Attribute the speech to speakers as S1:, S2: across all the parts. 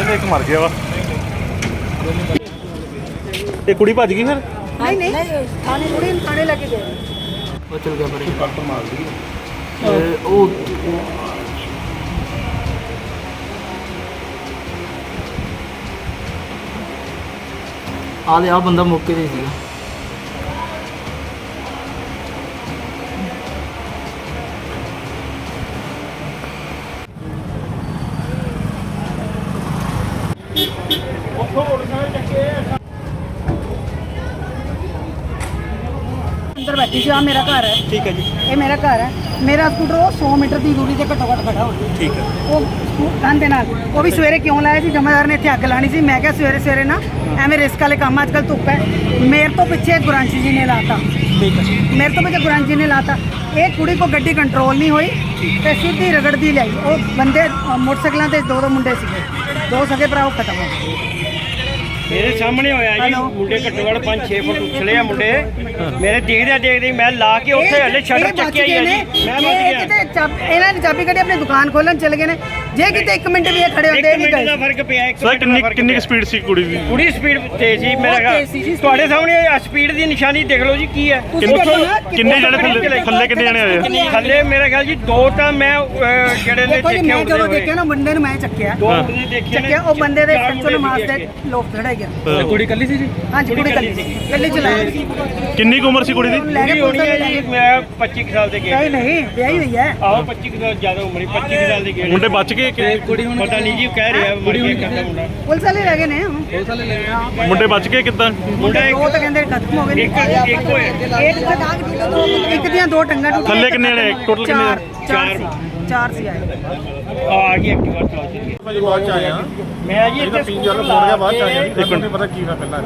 S1: ਤੇ ਇੱਕ ਮਰ ਗਿਆ ਵਾ। ਇਹ ਕੁੜੀ ਭੱਜ ਗਈ ਫਿਰ?
S2: नहीं थाने कुड़ी थाने लेके गए
S3: वो चल गया बड़े
S1: ਕੱਟ ਮਾਰ ਗਈ।
S3: वो आले आ बंदा मौके ते सीगा।
S2: अंदर बैठी थी। मेरा घर है,
S1: ठीक है जी,
S2: ये मेरा घर है। मेरा स्कूटर वो 100 मीटर की दूरी से घट्टो घट खड़ा हो गया।
S1: ठीक है।
S2: वो गंद नाल वो भी सवेरे क्यों लाया सी? जमादार ने इत्थे अग लानी सी। मैं क्या सवेरे सवेरे ना एवें रिस्क वाले काम, अजकल धुप है। मेरे तो पीछे गुरांशी जी ने लाता,
S1: ठीक है।
S2: मेरे तो पीछे गुरांशी जी ने लाता। एक कुड़ी को गड्डी कंट्रोल नहीं हुई ते सीधी रगड़दी लाई। वो बंदे मोटरसाइकिलों ते दो मुंडे सीगे, दो सगे भरा खत्म हो गए।
S4: मेरे सामने होया जी। मुंडे घट्टो घट 5-6 फुट उछले आ मुंडे। मेरे देखदे मैं ला के उत्थे हले शटर चक्किया ही है जी। मैं बच गया।
S2: ਇਹਨਾਂ ਨੇ ਚਾਬੀ ਕੱਢੀ, ਆਪਣੀ ਦੁਕਾਨ ਖੋਲਣ ਚਲੇ ਗਏ ਨੇ। ਜੇ ਕਿਤੇ 1 ਮਿੰਟ ਵੀ ਇਹ ਖੜੇ ਹੁੰਦੇ ਨਹੀਂ
S4: ਮਿੰਟ ਦਾ
S2: ਗਏ।
S4: ਫਰਕ ਪਿਆ। ਇੱਕ
S1: ਸਰ
S4: ਮਿੰਟ ਦਾ
S1: ਕਿੰਨੀ ਸਪੀਡ ਸੀ ਕੁੜੀ ਦੀ?
S4: ਪੂਰੀ ਸਪੀਡ ਤੇਜ਼ ਸੀ ਮੇਰਾ
S2: ਬਹੁਤ ਤੇਜ਼ ਸੀ ਜੀ।
S4: ਤੁਹਾਡੇ ਸਾਹਮਣੇ ਸਪੀਡ ਦੀ ਨਿਸ਼ਾਨੀ ਦੇਖ ਲਓ ਜੀ ਕੀ ਹੈ।
S2: ਤੁਸੀਂ ਦੇਖੋ ਨਾ
S1: ਕਿੰਨੇ ਜਣੇ ਥੱਲੇ ਕਿੰਨੇ ਜਣੇ ਆਏ?
S4: ਥੱਲੇ ਮੇਰਾ ਖਿਆਲ ਜੀ 2 ਤਾਂ ਮੈਂ ਜਿਹੜੇ ਨੇ
S2: ਦੇਖੋ ਜੀ,
S4: ਦੇਖੇ
S2: ਮੈਂ ਜਦੋਂ ਦੇਖਿਆ ਨਾ ਬੰਦੇ ਨੂੰ ਮੈਂ ਚੱਕਿਆ
S4: 2 ਮੁੰਡੇ ਦੇਖੇ ਨੇ।
S2: ਚੱਕਿਆ, ਉਹ ਬੰਦੇ ਦੇ
S4: ਚਾਰ
S2: ਸੱਚੋ
S4: ਮੁੰਡੇ
S2: ਮਾਸ
S4: ਦੇਖੇ।
S2: ਤੇ ਲੋਕ ਖੜਾ ਗਿਆ।
S1: ਕੁੜੀ ਕੱਲੀ ਸੀ ਜੀ?
S2: ਹਾਂਜੀ ਕੁੜੀ ਕੱਲੀ ਚਲਾਇਆ
S1: ਕਿੰਨੀ ਕੁ ਉਮਰ ਸੀ ਕੁੜੀ ਦੀ?
S2: ਲੈ ਕੇ
S4: ਕੁੜੀ ਹੋਣੀ ਹੈ ਜੀ ਮੈਂ 25 ਕੁ ਸਾਲ ਦੇ ਗਿਆ।
S2: ਨਹੀਂ ਨਹੀਂ ਵਿਆਹੀ ਹੋਈ ਹੈ।
S4: ਆਹੋ 25 ਕੁ ਸਾਲ ਜ਼ਿਆਦਾ ਉਮਰ 25 ਕੁ ਸਾਲ ਦੀ ਗੇੜ।
S1: ਮੁੰਡੇ ਬਚ ਗਏ ਕਿ
S4: ਕੁੜੀ ਹੁਣ ਪਤਾ ਨਹੀਂ ਜੀ ਕਹਿ ਰਿਹਾ ਮਰ ਗਿਆ ਕਹਿੰਦਾ ਮੁੰਡਾ।
S2: ਪੁਲਿਸ ਵਾਲੇ ਲੈ ਗਏ ਨੇ।
S1: ਮੁੰਡੇ ਬਚ ਗਏ ਕਿੱਦਾਂ?
S4: ਮੁੰਡਾ
S2: ਉਹ ਤਾਂ ਕਹਿੰਦੇ ਖਤਮ ਹੋ ਗਏ ਨੇ।
S4: ਇੱਕ ਹੋਇਆ।
S2: ਇੱਕ ਦੀਆਂ 2 ਟੰਗਾਂ ਟੁੱਟੀਆਂ।
S1: ਥੱਲੇ ਕਿੰਨੇ ਜਣੇ ਟੋਟਲ? ਕਿੰਨੇ ਜਣੇ?
S2: ਚਾਰ ਸੀ ਆਏ।
S4: ਆ ਗਈ ਐਕਟਿਵਾ ਚਲਾ ਚੁੱਕੀ।
S5: ਭਾਜੀ ਬਾਅਦ ਚ ਆਇਆ
S4: ਮੈਂ ਜੀ ਇੱਥੇ
S5: ਪੀਣ ਜਲ ਫੋੜ ਗਿਆ ਬਾਅਦ ਚ ਆਇਆ ਇੱਕ ਮਿੰਟ ਪਤਾ ਕੀ ਹੋਇਆ ਪਹਿਲਾਂ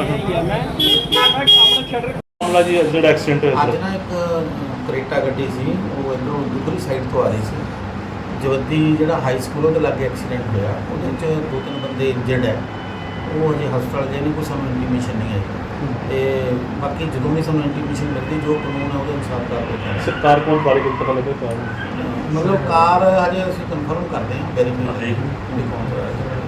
S1: ਮਾਮਲਾ ਜੀ ਜਿਹੜਾ ਐਕਸੀਡੈਂਟ ਹੋਇਆ
S6: ਅੱਜ ਨਾ ਇੱਕ ਕਰੇਟਾ ਗੱਡੀ ਸੀ, ਉਹ ਇੱਧਰੋਂ ਦੂਸਰੀ ਸਾਈਡ ਤੋਂ ਆ ਰਹੀ ਸੀ। ਜਵੱਦੀ ਜਿਹੜਾ ਹਾਈ ਸਕੂਲ ਉਹਦੇ ਲਾਗੇ ਐਕਸੀਡੈਂਟ ਹੋਇਆ। ਉਹਦੇ ਵਿੱਚ 2-3 ਬੰਦੇ ਇੰਜਰਡ ਹੈ। ਉਹ ਅਜੇ ਹਸਪਤਾਲ ਗਏ ਨੇ, ਕੋਈ ਸਾਨੂੰ ਇੰਟੀਮੇਸ਼ਨ ਨਹੀਂ ਆਈ। ਤੇ ਬਾਕੀ ਜਦੋਂ ਵੀ ਸਾਨੂੰ ਇੰਟੀਮੇਸ਼ਨ ਮਿਲਦੀ ਜੋ ਕਾਨੂੰਨ ਹੈ ਉਹਦੇ ਅਨੁਸਾਰ ਕਾਰਵਾਈ ਕਰਾਂਗੇ।
S1: ਸਰਕਾਰ ਕੋਲ ਬਾਰੇ ਕੁਝ ਪਤਾ ਲੱਗਾ?
S6: ਮਤਲਬ ਕਾਰ ਹਜੇ ਅਸੀਂ ਕਨਫਰਮ ਕਰਦੇ ਹਾਂ, ਵੈਰੀਫਾਈ ਦੇਖੋ।